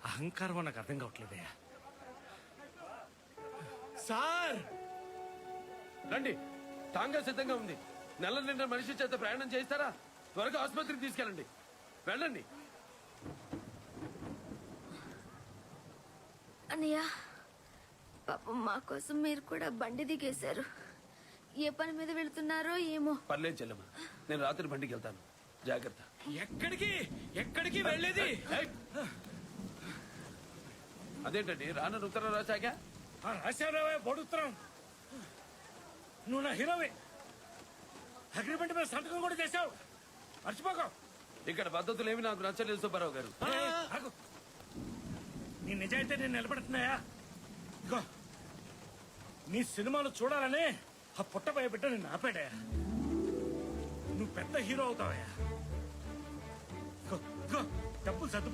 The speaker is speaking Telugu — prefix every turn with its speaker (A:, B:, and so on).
A: అహంకారం నాకు అర్థం కావట్లేదయ్యా. సార్
B: రండి, టాంగా సిద్ధంగా ఉంది. నెల నిండా మనిషి చేత ప్రయాణం చేస్తారా? త్వరగా ఆసుపత్రికి తీసుకెళ్ళండి. వెళ్ళండి.
C: అన్నయ్య, పాపం మా కోసం మీరు కూడా బండి దిగేశారు. ఏ పని మీద వెళ్తున్నారో ఏమో.
B: పర్లేదు చెల్లెమ్మ, నేను రాత్రి బండికి వెళ్తాను. జాగ్రత్త.
A: ఎక్కడికి ఎక్కడికి వెళ్ళేది?
B: అదేంటండి రాను ఉత్తరం రాశాక
A: రాశారావే బొడుత్తరం. నువ్వు నా హీరోవే. అగ్రిమెంట్ మీద సంతకం కూడా చేశావు, మర్చిపోక.
B: ఇక్కడ పద్ధతులు ఏమి నాకు నచ్చలేదు సుబ్బారావు గారు.
A: నీ నిజాయితీ నేను నిలబెడుతున్నాయా? ఇగో నీ సినిమాలు చూడాలని ఆ పుట్టబోయే బిడ్డ నిన్ను ఆపాడయా. నువ్వు పెద్ద హీరో అవుతావయ్యా. డబ్బులు సర్దు